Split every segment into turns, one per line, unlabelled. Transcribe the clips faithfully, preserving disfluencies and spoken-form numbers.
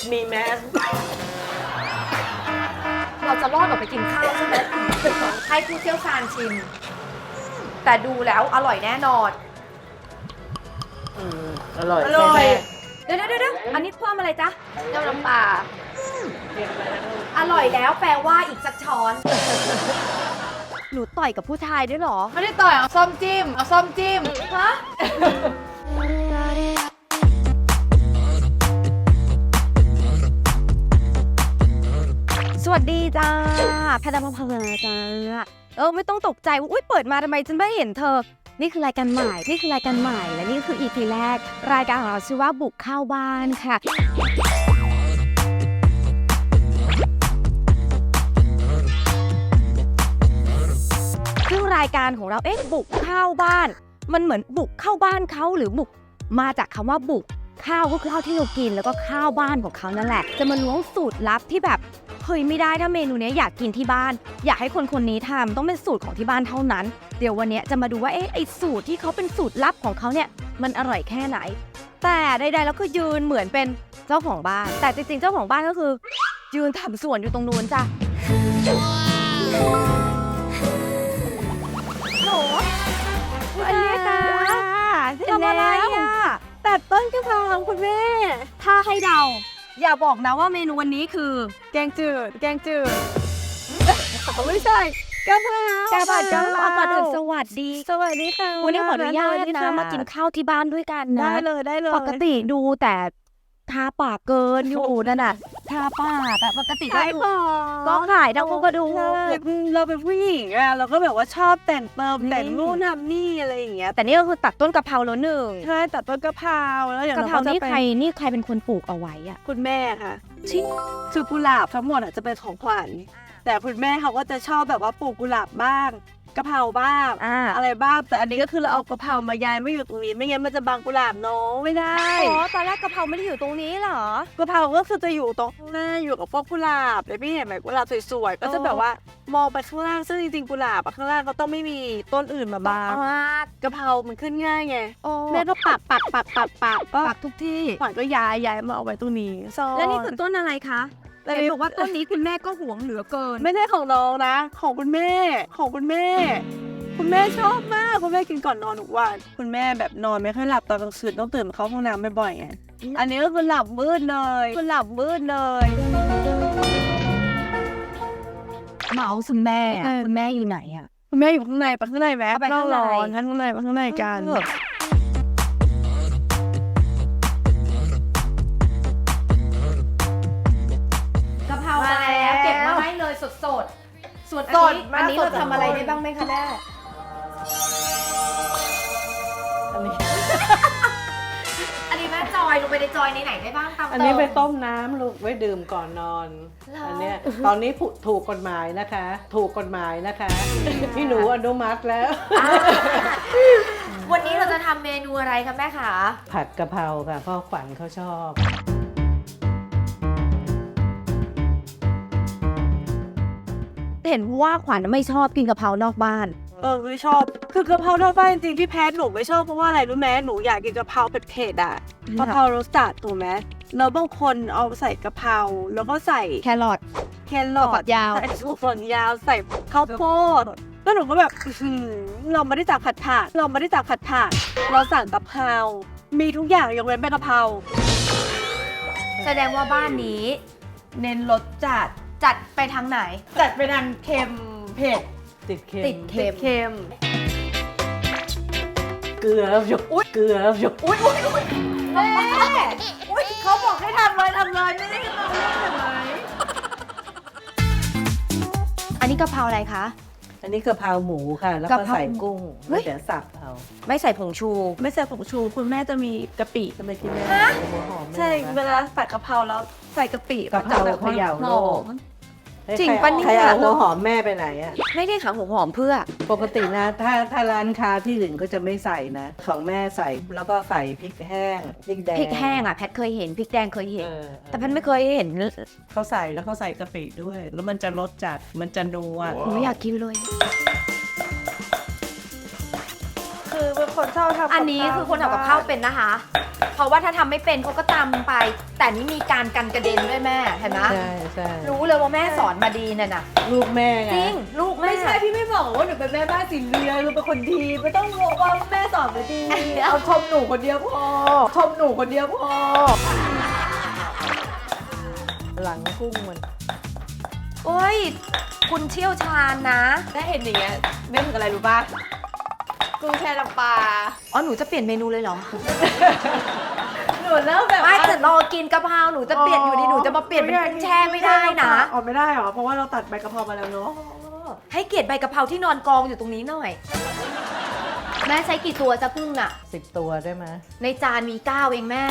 มีแมส
เราจะรอดออกไปกินข้าวใช่ไหมให้ผู้เชี่ยวชาญชิมแต่ดูแล้วอร่อยแน่นอน
อืมอร่อย
อร่อย
แน่
เดี๋ยวเดี๋ยวเดี๋ยวอันนี้เพิ่มอะไรจ๊ะเจ้าน้ำปลา
ๆเรียกอะไรนะลูก
อร่อยแล้วแปลว่าอีกสักช้อน
หนูต่อยกับผู้ชายด้วยเหรอ
ไม่ได้ต่อยเอาส้มจิ้มเอาส้มจิ้มฮะ
สวัสดีจ้าแพทย์พพลจ้าเออไม่ต้องตกใจว่าอุ้ยเปิดมาทำไมฉันไม่เห็นเธอ นี่คือรายการใหม่ นี่คือรายการใหม่ และนี่คือ อี พี แรก รายการของเราชื่อว่าบุกเข้าบ้านค่ะ ซึ่งรายการของเรา เอ๊ะ บุกเข้าบ้าน มันเหมือนบุกเข้าบ้านเขาหรือบุกมาจากคำว่าบุกข้าวก็คือข้าวที่เรากินแล้วก็ข้าวบ้านของเขานั่นแหละ จะมาล้วงสูตรลับที่แบบเฮ้ยไม่ได้ถ้าเมนูนี้อยากกินที่บ้าน อยากให้คนคนนี้ทำต้องเป็นสูตรของที่บ้านเท่านั้น เดี๋ยววันนี้จะมาดูว่าเอ๊ะไอสูตรที่เขาเป็นสูตรลับของเขาเนี่ยมันอร่อยแค่ไหน แต่ใดๆแล้วก็ยืนเหมือนเป็นเจ้าของบ้าน แต่จริงๆเจ้าของบ้านก็คือ ยืนทำสวนอยู่ตรงนู้นจ้ะโหอันนี้จ้าทำอะไรอ่ะตัดต้นกะเพราคุณแม่ถ้าให้เดาอย่าบอกนะว่าเมนูวันนี้คือ แกงจืดแกงจืดไม่ใช่กะเพรากะเพรากะเพราก่อนอื่นสวัสดีสวัสดีค่ะวันนี้ขออนุญาตนะมากินข้าวที่บ้านด้วยกันนะได้เลยได้เลยปกติดูแต่ทาปากเกินอยู่นั่นน่ะทาปากแต่ปกติก็ก็ขายทั้งพวกกระดูก
เราเป็นผู้หญิงอะเราก็แบบว่าชอบแต่งเติมแต่งนู่นทำนี่อะไรอย่างเงี้ย
แต่นี่ก็คือตัดต้นกะเพราแล้วหนึ่ง
ใช่ตัดต้นกะเพราแล้วอย่าง
กะ
เรา
เพรา
ก็จะ
นี่
เป็
ใครนี่ใครเป็นคนปลูกเอาไว้อะ
คุณแม่ค่ะที่คือกุหลาบทั้งหมดอะจะเป็นของขวัญแต่คุณแม่เขาก็จะชอบแบบว่าปลูกกุหลาบบ้างกะเพราบ้าง
อ่า
อะไรบ้างแต่อันนี้ก็คือเราเอากะเพรามาย้ายไม่อยู่ตรงนี้ไม่งั้นมันจะบังกุหลาบน้องไม่ได้
อ๋อตอนแรกกะเพราไม่ได้อยู่ตรงนี้เหรอก
ะเพราก็คือจะอยู่ตรงข้างหน้าอยู่กับพวกกุหลาบเลยพี่เห็นไหมกุหลาบสวยๆก็จะแบบว่ามองไปข้างล่างซึ่งจริงๆกุหลาบอะข้างล่างก็ต้องไม่มีต้นอื่นมาบังกะเพรามันขึ้นง่ายไง
โอ้
แม่ก็ปักปักปักปักปักก็
ปักทุกที่
ขวัญก็ย้ายย้ายมาเอาไว้ตรงนี้ซ่อน
แล้วนี่คือต้นอะไรคะ
แล้ว
เห็น
นี่
บอกว่าต้นนี้คุณแม่ก็หวงเหลือเกิน
ไม่ใช่ของน้องนะ ของคุณแม่ของคุณแม่ คุณแม่ชอบมากคุณแม่กินก่อนนอนทุกวันคุณแม่แบบนอนไม่ค่อยหลับตอนกลางคืนต้องตื่นมาเข้าห้องน้ำบ่อยๆไงอันนี้ก็คือหลับมืดเลยคือหลับมืดเลย
เมาส์คุณแม่อะคุณแม่อยู่ไหนอะ
คุณแม่อยู่ข้างในไปข้างในแวะ
เอาไปข้างใน
ร้อนข้างในไปข้างในกัน
เออก
ะเพรามาแล้วเก็บมาให้เลยสดๆส่วนอันนี้อันนี้เราทำอะไรได้บ้างไหมคะแม่
อันนี้
อันนี้แม่จอยลงไปในจอยในไหนได้บ้างตาม
อันนี้ไปต้มน้ำลูกไว้ดื่มก่อนนอน อันเนี้ยตอนนี้ถูกกฎหมายนะคะ ถูกกฎหมายนะคะ พี่หนูอนุมัติแล้ว
อ่าวันนี้เราจะทำเมนูอะไรคะแม่คะ
ผัดกะเพราค่ะพ่อขวัญเขาชอบ
เห็นว่าขวัญไม่ชอบกินกะเพรานอกบ้าน
เออไม่ชอบคือกะเพรานอกบ้านจริงๆที่แพ้หนูไม่ชอบเพราะว่าอะไรรู้ไหมหนูอยากกินกะเพราเผ็ดๆอ่ะกะเพรารสจัดถูกไหมแล้วบางคนเอาใส่กะเพราแล้วก็ใส่
แครอท
แครอ
ฝั
ท
กยาว
ใส่ถั่วฝักยาวใส่ข้าวโพดแล้วหนูก็แบบอื้อหือเราไม่ได้จากผัดผักเราไม่ได้จากผัดผักเราสั่งกะเพรามีทุกอย่างยกเว้นใบกะเพรา
แสดงว่าบ้านนี้ เน้นรสจัดจัดไปทางไหน จัดไปทางเค็มเผ็ด
ติดเค็ม
ติดเค็ม
เค็ม
เกลือแล้วหยกเกลือแล้วหยก
อุ้ยอุ้ยอุ้ยแม่อุ้ยเขาบอกให้ทำเลยทำเลยไม่ได้ให้เราเลือกเห็นไหม
อันนี้กะเพราอะไรคะ
อันนี้กะเพราหมูค่ะ แล้ว
กะ
ก็
เพรา
ใส่กุ้ง
เฮ้
แล้ว
ย
เดี๋ยวสับเอา
ไม่ใส่ผงชู
ไม่ใส่ผงชูคุณแม่จะมีกะปิ
จะไม่กินแม่หัวหอม
ใช่เวลาผัดกะเพราแล้วใส่กะปิ
กะเพรา
มันจะแบบ
เขย่า
ห
โล
อก ม
จริงปะเนี่ย
ใครเอาหัวหอมแม่ไปไหนอะ
ไม่ได้ขาหัวหอมเพื่อ
ปกตินะถ้าถ้าร้านค้าที่อื่นก็จะไม่ใส่นะ ของแม่ใส่แล้วก็ใส่พริกแห้งพริกแดง
พริกแห้งอ่ะแพทเคยเห็นพริกแดงเคยเห็น
เออ
แต่แพทไม่เคยเห็น
เขาใส่แล้วเขาใส่กะปิด้วย แล้วมันจะรสจัดมันจะนัว
หนูอยากกินเลย
คือเป็นคนชอบทำ
อันนี้คือคนทำกับข้าวเป็นนะคะเพราะว่าถ้าทำไม่เป็นเขาก็ตำไป แต่นี่มีการกันกระเด็นด้วยแม่เห็นไหม
ใช่ใช่
รู้เลยว่าแม่สอนมาดีน่ะนะ
ลูกแม่ไง
จริงลูกแม่
ไม่ใช่พี่ไม่บอกว่าหนูเป็นแม่บ้านสีเรือนหนูเป็นคนดีไม่ต้องบอกว่าแม่สอนมาดีเอาชมหนูคนเดียวพอชมหนูคนเดียวพอ
หลังกุ้งมัน
โอ้ยคุณเชี่ยวชาญนะ
ถ้าเห็นอย่างเงี้ยไม่ถึงอะไรรู้ป่ะกุ้งแช่น้ำปลา
อ๋อหนูจะเปลี่ยนเมนูเลยเหรอ
หนูเริ่มแบบ
ไม่
ว่า
แต่รอกินกะเพราหนูจะเปลี่ยนอยู่ดีหนูจะมาเปลี่ยนเป็นกุ้งแช่ไม่ได้นะ
อ๋อไม่ได้เหรอเพราะว่าเราตัดใบกะเพรามาแล้วเนาะ
ให้เกียรติใบกะเพราที่นอนกองอยู่ตรงนี้หน่อย แม่ใช้กี่ตัวจะกุ้งน่ะ
สิบตัวได้ไหม
ในจานมีเก้าเองแม่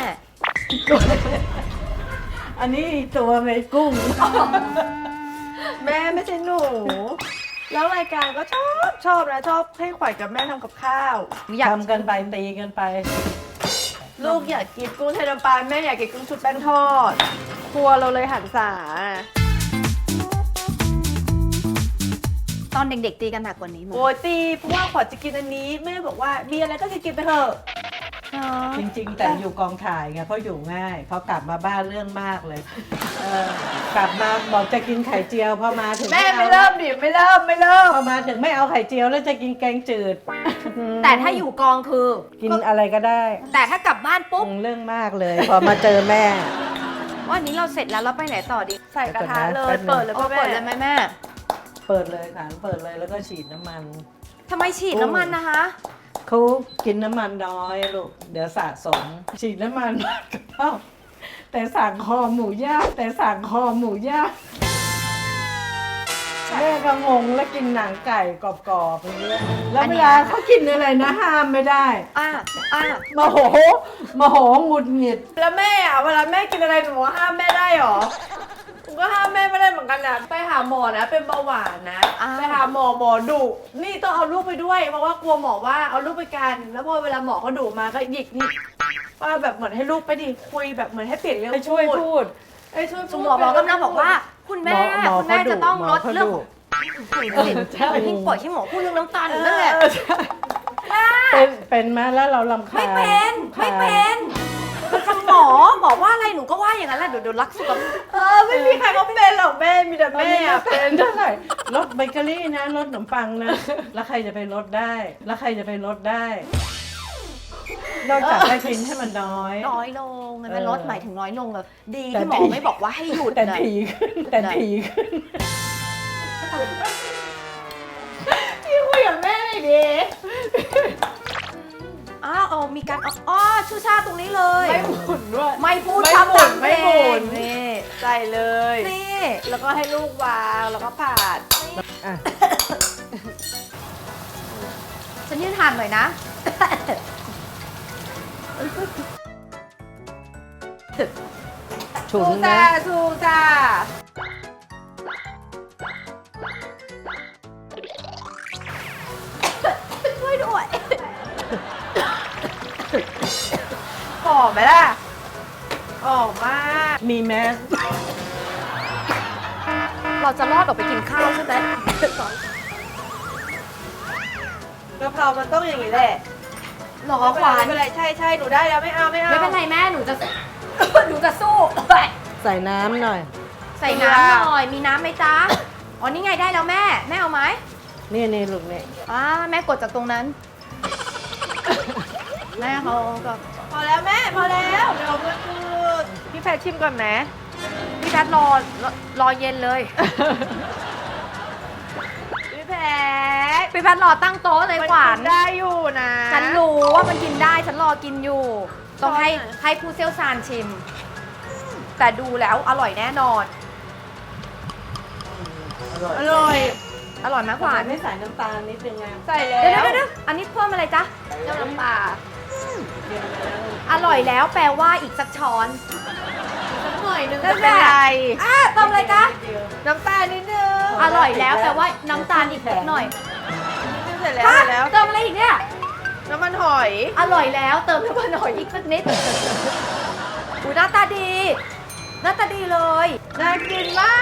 อันนี้ตัวไม่กุ้ง
แม่ไม่ใช่หนูแล้วรายการก็ชอบชอบนะชอบให้ขวัญกับแม่ทำกับข้าว
อยาก
ทำกันไปตีกันไป
ลูกอยากกินกุ้งไทยน้ำปลาแม่อยากกินกุ้งชุบแป้งทอด ครัวเราเลยหันษา
ตอนเด็กๆตีกันหนักกว่านี้มั้ย
โอ้ยตีเพราะว่าขวัญจะกินอันนี้แม่บอกว่ามีอะไรก็กินไปเถอะ
จริงๆ แต่อยู่กองถ่ายไงเพราะอยู่ง่ายพอกลับมาบ้านเรื่องมากเลยเออกลับมาบอกจะกินไข่เจียวพอมาถึง
แม่ไม่เริ่มดิไม่เริ่มไม่เริ่ม
พอมาถึงไม่เอาไข่เจียวแล้วจะกินแกงจืด
แต่ถ้าอยู่กองคือ
กินอะไรก็ได้
แต่ถ้ากลับบ้านปุ๊บ
เรื่องมากเลย พอมาเจอแม่
ว่านี้เราเสร็จแล้วเราไปไหนต่อดี
ใส่กระทะเล
แป๊
ย
บนึง
เปิดเลย
โอ้
ป่ะ
เปิด
แม่
เลยไหมแม่
เปิดเลยค่ะเปิดเลยแล้วก็ฉีดน้ำมัน
ทำไมฉีดน้ำมันนะคะ
เขากินน้ำมันน้อยลูกเดี๋ยวสะสม ฉีดน้ำมันมากกับเท่าแต่สั่งคอหมูย่างแต่สั่งคอหมูย่างแม่ก็งงแล้วกินหนังไก่กรอบๆอย่างเงี้ยแล้วเวลาเขากินอะไรนะห้ามไม่ได้
อ่ะอ่ะ
โมโหโมโหหงุดหงิด
แล้วแม่อะเวลาแม่กินอะไรหนูห้ามแม่ได้หรอหนูก็ห้ามแม่ไม่ได้เหมือนกันนะไปหาหมอนะเป็นเบาหวานนะไปหาหมอหมอดุนี่ต้องเอาลูกไปด้วยเพราะว่ากลัวหมอว่าเอาลูกไปกัน แล้วพอเวลาหมอเขาดุมาก็หยิกนี่ว่าแบบเหมือนให้ลูกไปดิคุยแบบเหมือนให้เปลี่ยนเรื่อง
ไปช่วยพูด
ไอ้ช่วย
สมหมอบอกกำลังบอกว่า คุณแม่
หมอ
คุณแม่
เขาดุ
จะต้อง
หมอ
ลด
เขา
เรื่อง
ดุ
ใช่ที่ปล่อยที่หมอพูดเรื่องน้ำตาลอยู่นั่นแหละ
เป็นเป็นไหมแล้วเราลำคาญ
ไม่เป็นไม่เป็นเป็นคำหมอบอกว่าอะไรหนูก็ว่าอย่างนั้นแหละเดี๋ยวเดี๋ยวรักสุขภาพ
เออไม่มีใครเขาเป็นหรอกแม่มีแต่
แม่
แม่อะ
เป็
เป็น น
เท่าไหร่ลดเบเกอรี่นะลดขนมปังนะ แล้วใครจะไปลดได้ แล้วใครจะไปลดได้ นอกจากได้กินให้มันน้อย
น้อยลงไงมัน
เออ
ลดหมายถึงน้อยลงแบบดี
แต่
ที่หมอ
ถี่
ไม่บอกว่าให้หยุด
แต่
นะ
ถี่ขึ้นแต่ถี่ขึ้น
พี่คุยกับแม่หน่อยดิ
อ้าวเอามีการเอาอ๋อชูชาตรงนี้เลย
ไม่หมุนด้วย
ไม่พูด
ไม่
คำ
หมุ
ดั
น
ง
ไม่หมุน
นี่
ใส่เลย
นี่
แล้วก็ให้ลูกวางแล้วก็ผ่าน
อ่ะ
ฉันยืนทานหน่อยนะ
ฉุน
สู้จ้า
นะ
สู้จ้า
ช่วยด้วย
หอมไหมล่ะหอมมาก
มีแมส
เราจะรอดออกไปกินข้าวใช่ไหม
กะเพรามันต้องอย่างนี้แหละ
หรอขวาน
ไม่เป็นไรใช่ใช่หนูได้แล้วไม่เอาไม่เอา
ไม่เป็นไรแม่หนูจะ หนูจะสู้
ใส่น้ำหน่อย
ใส่น้ำหน่อยมีน้ำไหมจ๊ะอ๋อนี่ไงได้แล้วแม่แม่เอาไหม
นี่นี่ลูกนี่
อ่าแม่กดจากตรงนั้น แม่เขาก็
พอแล้วแม่พอแล้วเดี๋ยวมันคือพี่แพทชิมก่อนไหม
พี่แพทรอรอรอเย็นเลย
พี่แพท
พี่แพทรอตั้งโต๊ะเลยขวาน
มัได้อยู่นะ
ฉันรู้ว่ามันกินได้ฉันรอกินอยู่ ต้องให้
ช้อนไหน
ให้ผู้เชี่ยวชาญชิม แต่ดูแล้วอร่อยแน่นอน
อร่อย
อร่อย
อร่อยไหมขวาน
ไม่ใส่น้ำตาลนิดนึงไง
ใส่แล้
เดี๋ยว
ว
เดี๋ยวเดี๋ยวอันนี้เพิ่มอะไรจ๊ะ
เจ้าน้ำปลา
อร่อยแล้วแปลว่าอีกสักช้อน
สักหน่อยนึง
นั่
ไม่
น
เป็
แห
น
ละ
ไร
อ่ะเติมอะไรจ๊ะ
น้ำตาลนิดนึง
อร่อยแล้วแปลว่าน้ำตาลอีกสักหน่อย
เสร็จแล้ว
ฮะ
เสร็จแล้ว
เติมอะไรอีกเนี่ย
น้ำมันหอย
อร่อยแล้วเติมน้ำมันหอยอีกสักนิดอูหน้าตาดี หน้าตาดีเลย
น่ากินมาก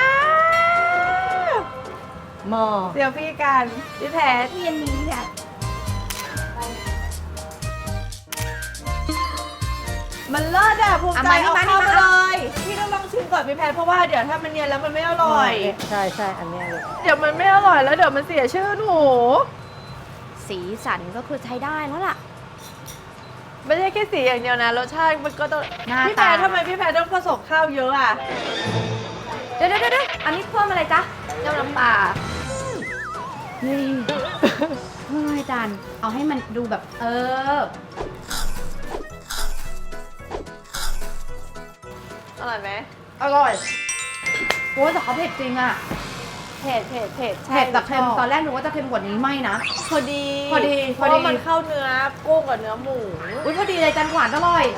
หม้อ
เดี๋ยวพี่กันพี่แพท
เย็นนี้เนี่ย
มันเลิศอะภูมิใจ
เอามานี่
เอา
มา
เข้า
นี่
มา
มา
เลยพี่ต้องลองชิมก่อนพี่แพทเพราะว่าเดี๋ยวถ้ามันเนียนแล้วมันไม่อร่อย
ใช่ใช่อันเนี้ยเลย
เดี๋ยวมันไม่อร่อยแล้วเดี๋ยวมันเสียชื่อหนู
สีสันก็คือใช้ได้แล้วล่ะ
ไม่ใช่แค่สีอย่างเดียวนะรสชาติมันก็ต้อง
หน้า
พี่แพ
ตา
ททำไมพี่แพทต้องผสมข้าวเยอะอะ
เดี๋ยวเดี๋ยวเดี๋ยวอันนี้เพิ่มอะไรจ๊ะ
เจ้าน้ำปลา
เฮ้ยเฮ้ยจานเอาให้มันดูแบบ เออ
อร่อยไหม
อร่อยโอ้ยแต่เขาเผ็ดจริงอะ
เผ็ดเผ็ดเผ็ด
เผ็ดแต่เค็ม
ชอบ
ตอนแรกนึกว่าจะเค็มกว่านี้ไม่นะ
พอดี
พอดี
เพ
พอ
ราะ
ดี
ว่ามันเข้าเนื้อกุ้งกับเนื้อหมู
อุ้ยพอดีเลยจันหวานอร่อย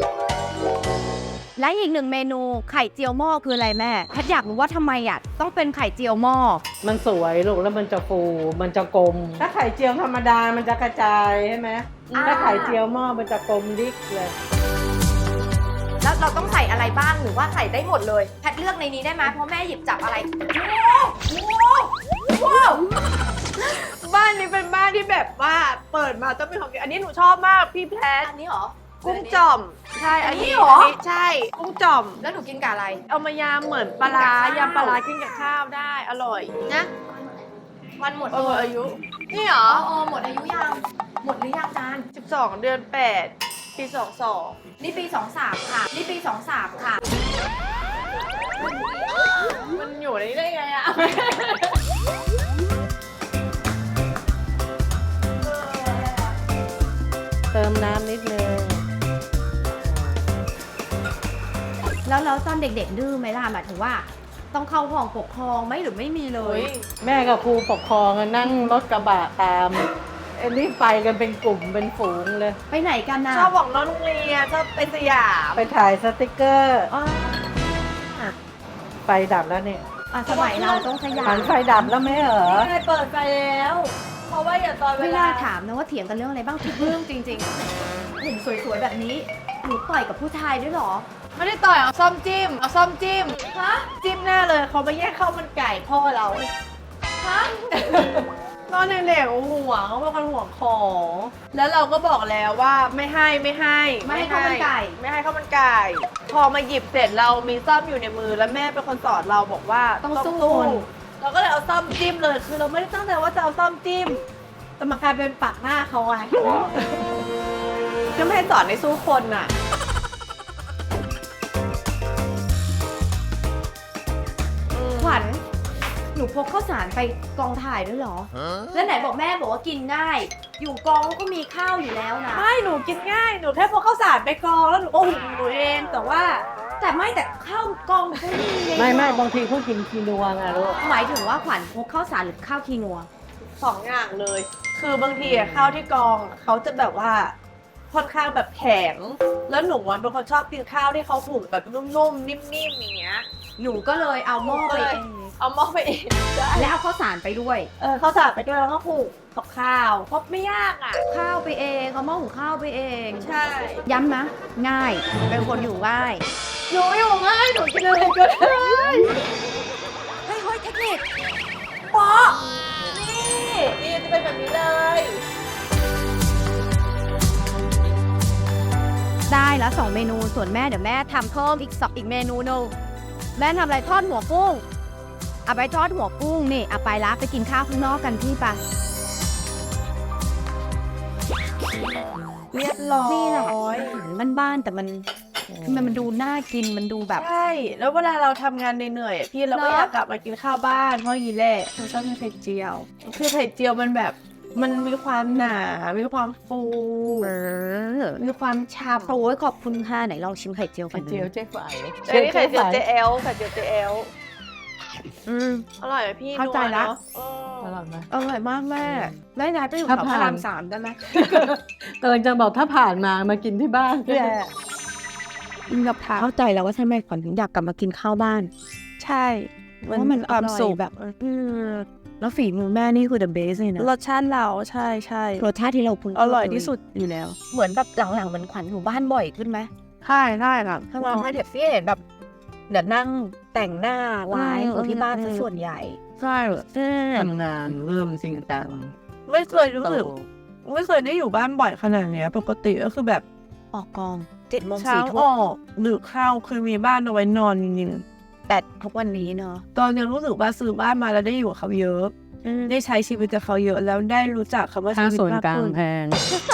และอีกหนึ่งเมนูไข่เจียวหม้อคืออะไรแม่แพทย์อยากรู้ว่าทำไมอ่ะต้องเป็นไข่เจียวหม้อ
มันสวยลูกแล้วมันจะฟูมันจะกลม ถ้าไข่เจียวธรรมดามันจะกระจายใช่ไหม
อ่า
ถ้าไข่เจียวหม้อมันจะกลมดิกเลย
แล้วเราต้องใส่อะไรบ้างหรือว่าใส่ได้หมดเลยแพทย์เลือกในนี้ได้ไหมเพราะแม่หยิบจับอะไรว้าว
บ้านนี้เป็นบ้านที่แบบว่าเปิดมาต้องมีของกินอันนี้หนูชอบมากพี่แพท
อันนี้เหรอ
กุ้งจ่อมใช่
อั
อั
น
น
นี้
นี้
เหรอ
นนี้ใช่กุ้งจ่อม
แล้วหนูกินกับอะไร
เอามายำเหมือนปลาร้า
กินกับข้าวย
ำปลาร้ากินกับข้าวได้อร่อย
นะวันหมด
เอออายุนี่เหร
อ๋
อ
ออ๋อหมดอายุยังหมดหรือยังจาน
สิบสองเดือนแปดปีสองสอง
นี่ปีสองสามค่ะนี่ปีสองสามค่ะ
มันอยู่ในนี้ได้ไงอะ
เติมน้ำนิดนึง
แล้วแล้วตอนเด็กๆดื้อไหมล่ะหมายถึงว่า ต้องเข้าห้องปกครองไหมหรือไม่มีเล
เฮ้
ย
ย
แม่กับครูปกครองอะนั่งรถกระบะตามอันนี้ไปกันเป็นกลุ่มเป็นฝูงเลย
ไปไหนกันน่ะ
ชอบบอกน้องโรงเรียนชอบไปสยาม
ไปถ่ายสติกเกอร์
อ๋อ
ไฟดับแล้วเนี่ย
อ่ะสมัยเราต้องสยา
หั
ม
นไฟดับแล้วไหมเหรอ
ไม่ได้เปิดไปแล้ว เพราะว่าอย่าตอนเว
ไม่
ลา
น่าถามนะว่าเถียงกันเรื่องอะไรบ้างทุกเรื่องจริงๆเห็นสวยๆแบบนี้หนูต่อยกับผู้ชายด้วยเหรอ
ไม่ได้ต่อยเอาซ่อมจิ้มเอาซ่อมจิ้ม
ฮะ
จิ้มหน้าเลยเขามาแย่งข้าวมันไก่พ่อเรา
ฮะ
ตอนเด็กๆห่วงเขาเป็นคนห่วงของ แล้วเราก็บอกแล้วว่าไม่ให้ไม่ให้
ไม่ให้ข้าวมันไก่
ไม่ให้ข้าวมันไก่ พอมาหยิบเสร็จเรามีซ่อมอยู่ในมือแล้วแม่เป็นคนสอนเราบอกว่า
ต้องสู้
เราก็เลยเอาซ่อมจิ้มเลยคือเราไม่ได้ตั้งใจว่าจะเอาซ่อมจิ้มแต่มันกลายเป็นปากหน้าเขาไงก็ไม่ให้สอนในสู้คนน่ะ
ขวัญหนูพกข้าวสารไปกองถ่ายด้วยเหรอ แล้วไหนบอกแม่บอกว่ากินง่าย อยู่กองก็มีข้าวอยู่แล้วนะ
ไม่หนูกินง่าย หนูแค่พกข้าวสารไปกรองแล้วหนูก็หุงหนูเอง แต่ว่า
แต่ไม่แต่ข้าวกองก็มีไง
ไม่ไม่บางทีเขากินคีนัวไงลูก
หมายถึงว่าขวัญพกข้าวสารหรือข้าวคีนัว
สองอย่างเลย คือบางทีอะข้าวที่กรองอะเขาจะแบบว่าค่อนข้างแบบแข็ง แล้วหนูอะเป็นคนชอบกินข้าวที่เขาหุงแบบนุ่มๆ นิ่มๆ อย่างเงี้ย
หนูก็เลยเอาหม้อไปเอง
เอาหม้อไปเองได้
และเอาข้าวสารไปด้วย
เออข้าวสารไปด้วยแล้วก็หุงกับข้าวเพราะไม่ยากอ่ะ
ข้าวไปเองเอาหม้อหุงข้าวไปเอง
ใช่
ย้ำนะง่าย เป็นคนอยู่ง่าย
หนูอยู่ง่ายหนูกินอะไรก็ได้
เฮ้ยเฮ้ยเทคนิค
ปอนี่นี่จะเป็นแบบนี้เลย
ได้แล้วสองเมนูส่วนแม่เดี๋ยวแม่ทำเพิ่มอีกสองอีกเมนูหนึงแม่ทำอะไรทอดหัวกุ้งเอาไปทอดหัวกุ้งนี่เอาไปละไปกินข้าวข้างนอกกันพี่ปะ
เรียบร้อย
นี่แหละอาหารบ้านๆแต่มันมันมันดูน่ากินมันดูแบบ
ใช่ แล้วเวลาเราทำงานเหนื่อยๆอะพี่เราก็
เนอะ
อยากกลับมากินข้าวบ้านเพราะอย่างนี้แหละเราชอบกินไข่เจียว คือไข่เจียวมันแบบ มันมีความหนา มีความฟู
เออ
มีความฉ่ำ
โอ้ยขอบคุณค่ะไหนลองชิมไข่เจียวกั
ไข่
น
เจียวเจ๊ไฝ
เอ้ยนี่ไข่เจียวเจเอลไข่เจียวเจเอล
อืม
อร่อยไหมพี่
เข้าใจละ
นัวเนอะเออ
อร่อยไหม
อร่อยมากแม่ได้นะไปอยู่
ถ้า
กับพ
ผ่าน
ระรามสามได้ไหม
กำลังจะบอกถ้าผ่านมามากินที่บ้านแย่
กินกับข้าวเข้าใจแล้วว่าทำไมขวัญถึงอยากกลับมากินข้าวบ้าน
ใช่
เพราะว่ามันความสุขแบบอืมแล้วฝีมือแม่นี่คือ the best เลยนะ
รสชาติเราใช่ใช่
รสชาติที่เราคุ้นเค
อร่อยที่สุดอยู่แล้ว
เหมือนแบบหลังๆเหมือนขวัญอยู่บ้านบ่อยขึ้นไหม
ใช่ใช่ครับ
ถ้ามาให้เด็กพี่เห็นแบบเดี๋ยวนั่งแต่งหน้าไลฟ์อยู่ที่บ้านซะส่วนใหญ่
ใช่
อืม
ทำงานเริ่มจริงจัง
ไม่เคยรู้สึกไม่เคยได้อยู่บ้านบ่อยขนาดเนี้ยปกติก็คือแบบ
ออกกองเจ็ดโมง
เช้า
สี่
อ
ทุ่ม
อกหรือเข้าเคยมีบ้านเอาไว้นอนจริง
แต่ทุกวันนี้เนาะ
ๆตอนยังรู้สึกว่าซื้อบ้านมาแล้วได้อยู่กับเขาเยอะ ได้ใช้ชีวิตกับเขาเยอะแล้วได้รู้จักคำว่า
ค่า
ชีวิต
ส่วน
มาก
กลาง
ขึ้น
แพง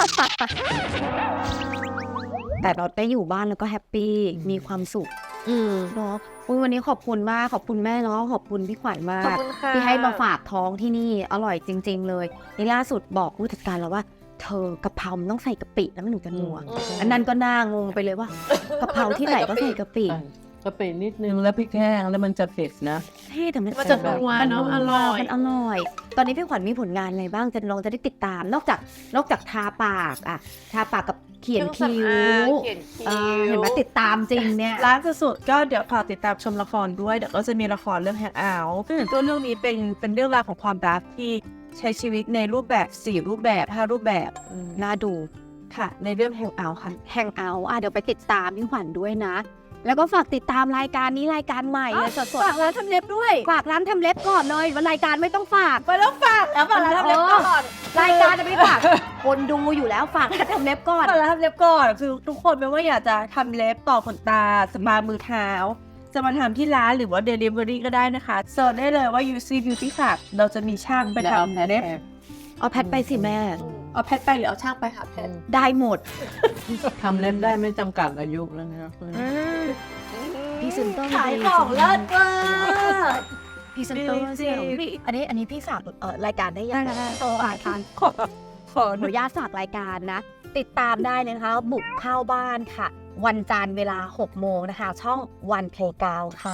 แต่เราได้อยู่บ้านแล้วก็แฮปปี้มีความสุข
อืม
เนาะอุ๊ยวันนี้ขอบคุณมากขอบคุณแม่เนาะขอบคุณพี่ขวัญมาก
ขอบคุณค่ะ
ที่ให้มาฝากท้องที่นี่อร่อยจริง ๆ เลยนี่ล่าสุดบอกผู้จัดการแล้วว่าเธอกะเพรามันต้องใส่กะปิแล้วมันถึงจะนัว
อืม
อันนั้นก็น่างงไปเลยว่ากะเพราที่ไหนก็ใส่กะปิ
กะปินิดนึงแล้วพริกแห้งแล้วมันจะเผ็ดนะ
เท่แต่มัน
มันจะนัวเนอะอร่อย
มันอร่อย ตอนนี้พี่ขวัญมีผลงานอะไรบ้างจะลองจะได้ติดตาม นอกจากนอกจากทาปากอะทาปากกับเขียนคิ้ว
เขียนคิ้
เออ
ว
เห็นไหมติดตามจริงเนี่ย
ร้านสุดๆก็เดี๋ยวฝากติดตามชมละครด้วยเดี๋ยวก็จะมีละครเรื่องแฮงเอาท์ตัวเรื่องนี้เป็นเป็นเรื่องราวของความรักที่ใช้ชีวิตในรูปแบบสี่รูปแบบห้ารูปแบบ
น่าดู
ค่ะ ในเรื่องแฮงเอาท์ค่ะ
แฮงเอาท์อ่ะเดี๋ยวไปติดตามพี่ขวัญด้วยนะ แล้วก็ฝากติดตามรายการนี้รายการใหม่เลยสด
ฝากร้านทำเล็บด้วย
ๆฝากร้านทำเล็บก่อนเลยวันรายการไม่ต้องฝาก
ไปแล้วฝากแล้วฝากร้านทำเล็บก่อน
รายการจะไม่ฝาก คนดูอยู่แล้วฝากร้านทำเล็บก่อน
ฝากร้านทำเล็บก่อนคือทุกคนไม่ว่าอยากจะทำเล็บต่อขนตาสปามือเท้า จะมาทำที่ร้านหรือว่า Delivery ก็ได้นะคะเสิร์ชได้เลยว่า ยู ซี Beauty Club เราจะมีช่างไป
แล้วเอา
ทำ
แพท
เล็บ
เอาแพทไปสิแม่
เอาแพทไปหรือเอาช่างไปค่ะแพท
ได้หมด
ทำเล็บได้ไม่จำกัดอายุแล้วนะ
พรีเซนเตอร์
ขายของเลิศมาก
พรีเซนเตอร์
จริงๆ
เสี่ยวพี่อันนี้อันนี้พี่ฝากเอ่อรายการได้ยัง
ได้ได้โตอ่านทานขอขอ
ขออนุญาตฝากรายการนะ ติดตามได้เลยนะคะ บุกเข้าบ้านค่ะ วันจันทร์เวลาหกโมงนะคะ ช่องวันเพลกาวค่ะ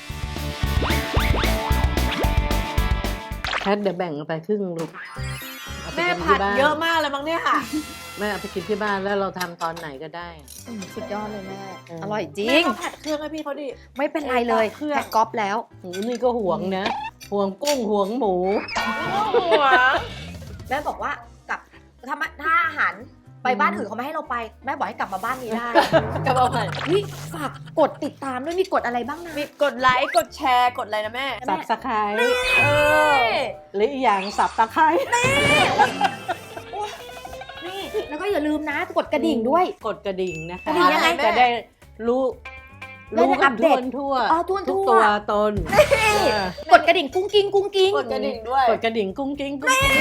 แพทเดี๋ยวแบ่งไปครึ่งลูกเอาไป
แม่
กิน
ผั
ที่
ด
บ้าน
เยอะมากเลยมั้งเนี่ยค่ะ
แม่เอาไปกินที่บ้านแล้วเราทำตอนไหนก็ได้
สุดยอดเลยแม่
เออ
อร่อยจริ
แม่
ง
ก็ผัดเครื่องให้พี่เขาดิ
ไม่เป็นไรเลย
เครื่อง
แพ็คก๊อปแล้ว
หูนี่ก็ห่วงนะห่วงกุ้งห่วงหมู
หัว
แม่บอกว่ากลับถ้ามาถ้าอาหารไปบ้านอื่นเขาไม่ให้เราไป แม่บอกให้กลับมาบ้านนี้ได้
กระเพราผัด
เฮ้ยฝากกดติดตามด้วยมีกดอะไรบ้างนะ
มีกดไลค์กดแชร์กดอะไรนะแม่
สับสไคร
เออ
หรืออีกอย่างสับตะไคร้
นี่แล้วก็อย่าลืมนะกดกระดิ่งด้วย
กดกระดิ่งนะคะ
กระดิ่งยังไง
จะได้รู้
ได้
รู้
อั
กัน
ปเด
ทั่ว
ต
ทั่ว
อ๋อทั่ว
ทุก
ทั่ว
ตัวตนเออก
ดกระดิ่งกุ้งกิ้งกุ้งกิ้ง
กดกระดิ่งด้วย
กดกระดิ่งกุ้งกิ้งกุ้งกิ้ง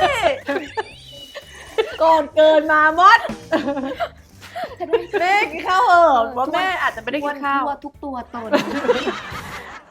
ก่อนเกินมามดแม่กินข้าวเหอะว่าแม่อาจจะไม่ได้กินข้าว
ทั่วทุกตัวตน